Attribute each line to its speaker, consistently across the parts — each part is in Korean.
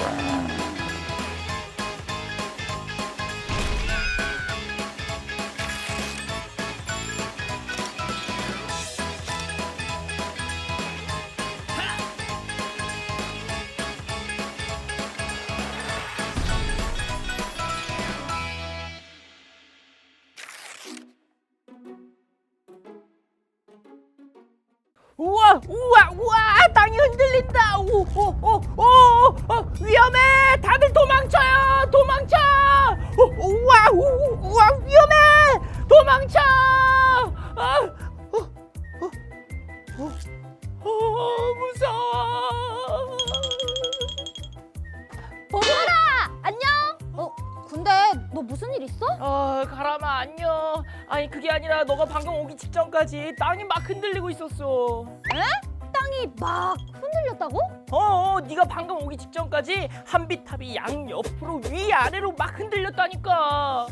Speaker 1: 우와 우와 우와 땅이 흔들린다. 위험해. 다들 도망쳐요. 도망쳐. 우와 우와 위험해. 도망쳐. 무서워.
Speaker 2: 보라 안녕. 근데 너 무슨 일 있어?
Speaker 1: 가람아 안녕. 아니 그게 아니라 너가 방금 오기 직전까지 땅이 막 흔들리고 있었어.
Speaker 2: 땅이 막 흔들렸다고?
Speaker 1: 네가 방금 오기 직전까지 한비탑이 양옆으로 위아래로 막 흔들렸다니까.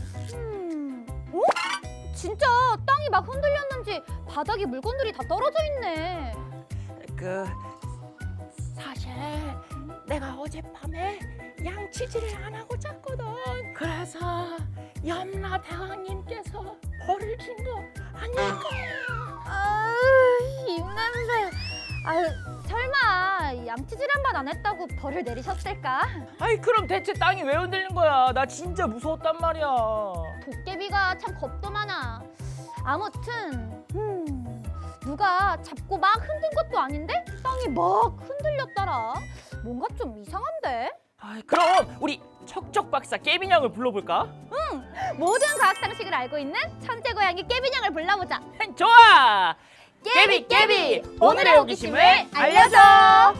Speaker 2: 진짜 땅이 막 흔들렸는지 바닥에 물건들이 다 떨어져 있네.
Speaker 1: 사실 내가 어젯밤에 양치질을 안 하고 잤거든. 그래서 염라 대왕님께서 벌을 준 거 아닐까?
Speaker 2: 입냄새. 설마 양치질 한 번 안 했다고 벌을 내리셨을까?
Speaker 1: 아이 그럼 대체 땅이 왜 흔들린 거야? 나 진짜 무서웠단 말이야.
Speaker 2: 도깨비가 참 겁도 많아. 아무튼 누가 잡고 막 흔든 것도 아닌데 땅이 막 흔들렸더라. 뭔가 좀 이상한데?
Speaker 1: 그럼 우리 척척 박사 깨빈양을 불러볼까?
Speaker 2: 모든 과학 상식을 알고 있는 천재 고양이 깨빈양을 불러보자.
Speaker 1: 좋아!
Speaker 2: 깨비,
Speaker 1: 오늘의 호기심을 알려줘!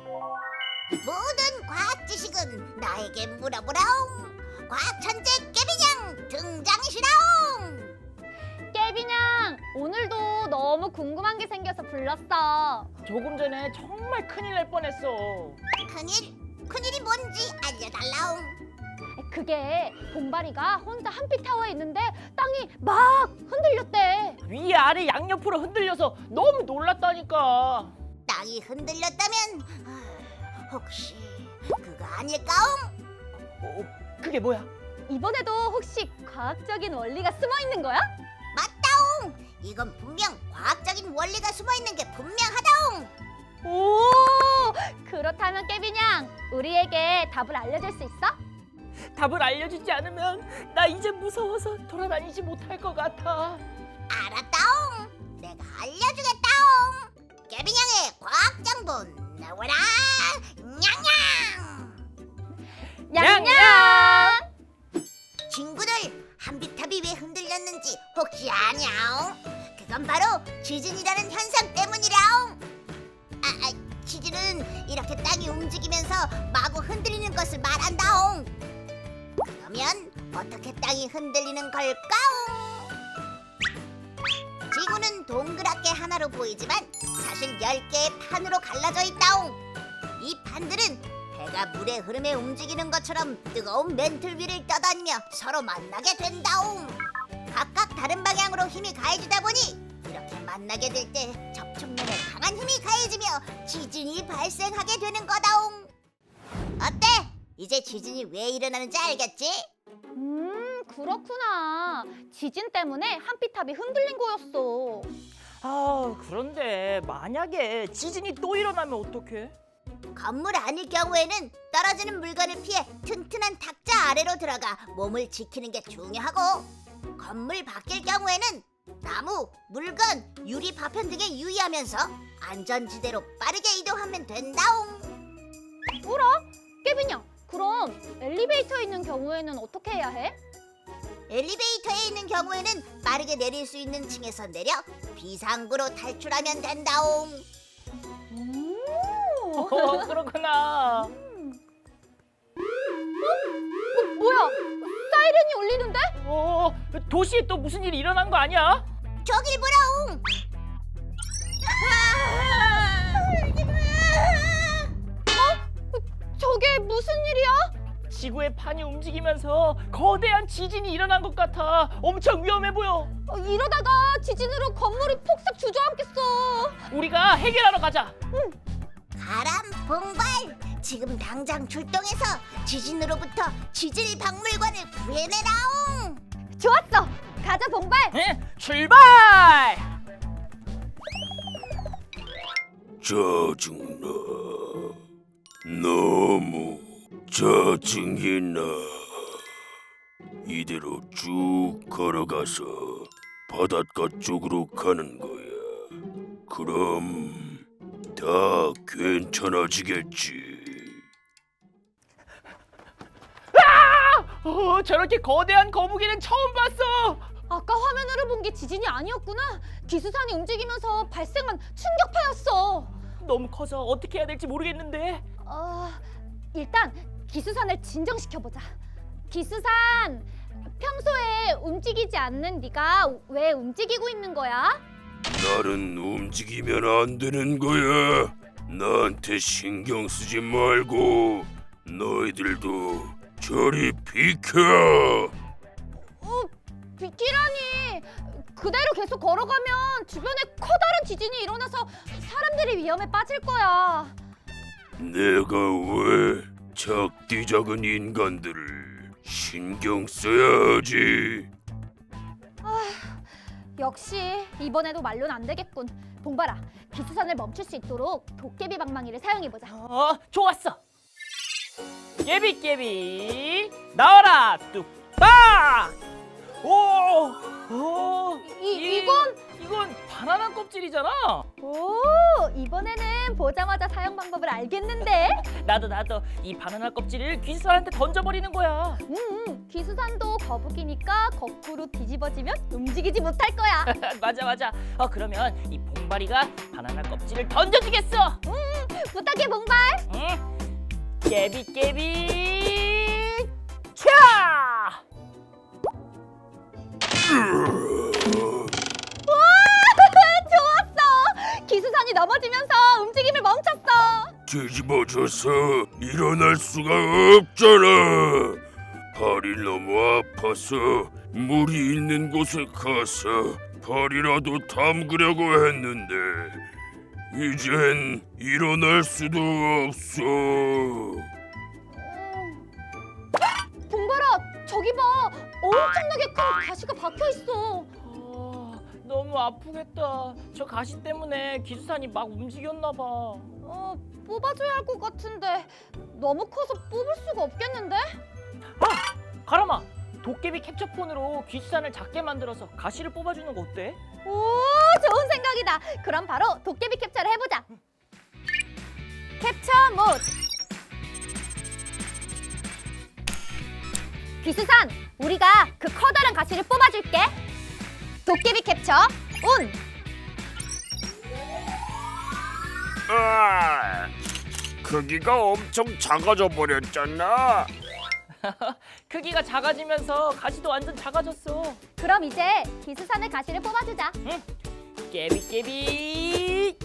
Speaker 3: 모든 과학 지식은 나에게 물어보라옹. 과학 천재 깨비냥 등장시라옹.
Speaker 2: 깨빈양, 오늘도 너무 궁금한 게 생겨서 불렀어.
Speaker 1: 조금 전에 정말 큰일 날 뻔했어.
Speaker 3: 큰일이 뭔지 알려달라옹.
Speaker 2: 그게 봉바리가 혼자 한피타워에 있는데 땅이 막 흔들렸대.
Speaker 1: 위아래 양옆으로 흔들려서 너무 놀랐다니까.
Speaker 3: 땅이 흔들렸다면 혹시 그거 아닐까옹?
Speaker 1: 그게 뭐야?
Speaker 2: 이번에도 혹시 과학적인 원리가 숨어 있는 거야?
Speaker 3: 맞다옹. 이건 분명 과학적인 원리가 숨어있는 게 분명하다옹.
Speaker 2: 오, 그렇다면 깨빈양, 우리에게 답을 알려줄 수 있어?
Speaker 1: 답을 알려주지 않으면 나 이제 무서워서 돌아다니지 못할 것 같아.
Speaker 3: 알았다옹. 내가 알려주겠다옹. 깨비냥의 과학정보 나와라. 냥냥.
Speaker 2: 냥냥!
Speaker 3: 친구들, 한비탑이 왜 흔들렸는지 혹시 아냐옹? 그건 바로 지진이라는 현상 때문이라옹. 지진은 이렇게 땅이 움직이면서 마구 흔들리는 것을 말한다옹. 그러면 어떻게 땅이 흔들리는 걸까옹? 지구는 동그랗게 하나로 보이지만 사실 10개의 판으로 갈라져 있다옹. 이 판들은 배가 물의 흐름에 움직이는 것처럼 뜨거운 맨틀 위를 떠다니며 서로 만나게 된다옹. 각각 다른 방향으로 힘이 가해지다 보니 이렇게 만나게 될 때 접촉면에 강한 힘이 가해지며 지진이 발생하게 되는 거다옹. 어때? 이제 지진이 왜 일어나는지 알겠지?
Speaker 2: 그렇구나. 지진 때문에 한피탑이 흔들린 거였어.
Speaker 1: 그런데 만약에 지진이 또 일어나면 어떡해?
Speaker 3: 건물 아닐 경우에는 떨어지는 물건을 피해 튼튼한 탁자 아래로 들어가 몸을 지키는 게 중요하고, 건물 밖일 경우에는 나무, 물건, 유리 파편 등에 유의하면서 안전지대로 빠르게 이동하면 된다옹.
Speaker 2: 뭐라? 깨빈양, 그럼 엘리베이터에 있는 경우에는 어떻게 해야 해?
Speaker 3: 엘리베이터에 있는 경우에는 빠르게 내릴 수 있는 층에서 내려 비상구로 탈출하면 된다옹.
Speaker 1: 그렇구나.
Speaker 2: 뭐야? 사이렌이 울리는데?
Speaker 1: 도시에 또 무슨 일이 일어난 거 아니야?
Speaker 3: 저길 보라옹.
Speaker 2: 저게 무슨 일이야?
Speaker 1: 지구의 판이 움직이면서 거대한 지진이 일어난 것 같아. 엄청 위험해 보여.
Speaker 2: 이러다가 지진으로 건물이 폭삭 주저앉겠어.
Speaker 1: 우리가 해결하러 가자.
Speaker 3: 바람, 봉발, 지금 당장 출동해서 지진으로부터 지질 박물관을 구해내라옹.
Speaker 2: 좋았어. 가자 봉발.
Speaker 1: 출발!
Speaker 4: 짜증나. 너무 짜증이 나. 이대로 쭉 걸어가서 바닷가 쪽으로 가는 거야. 그럼 다 괜찮아지겠지.
Speaker 1: 저렇게 거대한 거북이는 처음 봤어.
Speaker 2: 아까 화면으로 본 게 지진이 아니었구나. 기수산이 움직이면서 발생한 충격파였어.
Speaker 1: 너무 커서 어떻게 해야 될지 모르겠는데.
Speaker 2: 일단 기수산을 진정시켜보자. 기수산, 평소에 움직이지 않는 네가 왜 움직이고 있는 거야?
Speaker 4: 나는 움직이면 안 되는 거야. 나한테 신경 쓰지 말고 너희들도 저리 비켜.
Speaker 2: 비키라니. 그대로 계속 걸어가면 주변에 커다란 지진이 일어나서 사람들이 위험에 빠질 거야.
Speaker 4: 내가 왜 작디 작은 인간들을 신경 써야지.
Speaker 2: 역시 이번에도 말로는 안 되겠군. 봉발아, 기수산을 멈출 수 있도록 도깨비 방망이를 사용해보자.
Speaker 1: 좋았어. 깨비깨비 나와라 뚝딱.
Speaker 2: 이건
Speaker 1: 바나나 껍질이잖아.
Speaker 2: 오, 이번에는 보자마자 사용 방법을 알겠는데?
Speaker 1: 나도 이 바나나 껍질을 귀수산한테 던져버리는 거야.
Speaker 2: 기수산도 거북이니까 거꾸로 뒤집어지면 움직이지 못할 거야.
Speaker 1: 맞아. 그러면 이 봉발이가 바나나 껍질을 던져주겠어.
Speaker 2: 부탁해 봉발.
Speaker 1: 응? 깨비깨비 차!
Speaker 2: 좋았어. 기수산이 넘어지면서 움직임을 멈췄어.
Speaker 4: 뒤집어져서 일어날 수가 없잖아. 발이 너무 아파서 물이 있는 곳에 가서 발이라도 담그려고 했는데 이젠 일어날 수도 없어.
Speaker 2: 봉발아, 저기 봐. 엄청나게 큰 가시가 박혀 있어.
Speaker 1: 너무 아프겠다. 저 가시 때문에 기수산이 막 움직였나 봐.
Speaker 2: 뽑아줘야 할 것 같은데 너무 커서 뽑을 수가 없겠는데?
Speaker 1: 가람아, 도깨비 캡처폰으로 귀수산을 작게 만들어서 가시를 뽑아주는 거 어때?
Speaker 2: 오, 좋은 생각이다. 그럼 바로 도깨비 캡처를 해보자. 캡처 모드. 귀수산, 우리가 그 커다란 가시를 뽑아줄게. 도깨비 캡처 온.
Speaker 4: 크기가 엄청 작아져 버렸잖아.
Speaker 1: 크기가 작아지면서 가시도 완전 작아졌어.
Speaker 2: 그럼 이제 기수산의 가시를 뽑아주자.
Speaker 1: 깨비깨비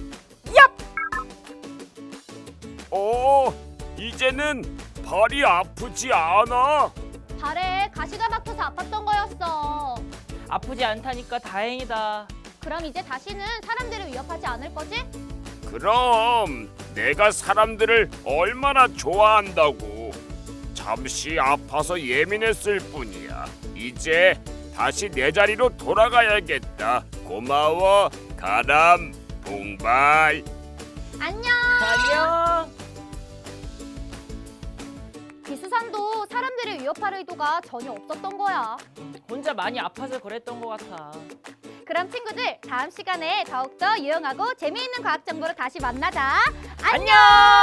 Speaker 4: 이제는 발이 아프지 않아.
Speaker 2: 발에 가시가 박혀서 아팠던 거였어.
Speaker 1: 아프지 않다니까 다행이다.
Speaker 2: 그럼 이제 다시는 사람들을 위협하지 않을 거지?
Speaker 4: 그럼 내가 사람들을 얼마나 좋아한다고. 잠시 아파서 예민했을 뿐이야. 이제 다시 내 자리로 돌아가야겠다. 고마워, 가람, 봉발.
Speaker 2: 안녕.
Speaker 1: 안녕.
Speaker 2: 기수산도 사람들을 위협할 의도가 전혀 없었던 거야.
Speaker 1: 혼자 많이 아파서 그랬던 것 같아.
Speaker 2: 그럼 친구들, 다음 시간에 더욱더 유용하고 재미있는 과학 정보로 다시 만나자.
Speaker 1: 안녕.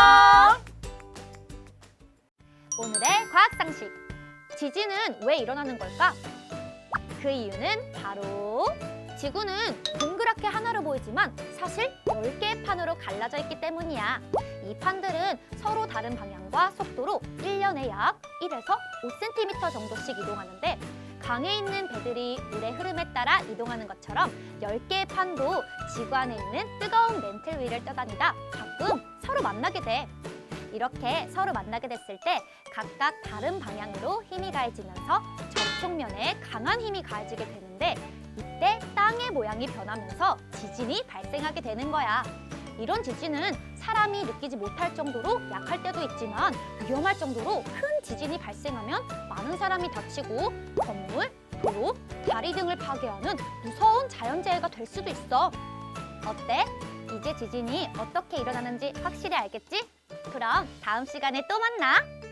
Speaker 2: 오늘의 과학 상식. 지진은 왜 일어나는 걸까? 그 이유는 바로 지구는 동그랗게 하나로 보이지만 사실 10개의 판으로 갈라져 있기 때문이야. 이 판들은 서로 다른 방향과 속도로 1년에 약 1에서 5cm 정도씩 이동하는데, 강에 있는 배들이 물의 흐름에 따라 이동하는 것처럼 10개의 판도 지구 안에 있는 뜨거운 멘틀 위를 떠다니다 가끔 서로 만나게 돼. 이렇게 서로 만나게 됐을 때 각각 다른 방향으로 힘이 가해지면서 접촉면에 강한 힘이 가해지게 되는데, 이때 땅의 모양이 변하면서 지진이 발생하게 되는 거야. 이런 지진은 사람이 느끼지 못할 정도로 약할 때도 있지만 위험할 정도로 큰 지진이 발생하면 많은 사람이 다치고 건물, 도로, 다리 등을 파괴하는 무서운 자연재해가 될 수도 있어. 어때? 이제 지진이 어떻게 일어나는지 확실히 알겠지? 그럼 다음 시간에 또 만나.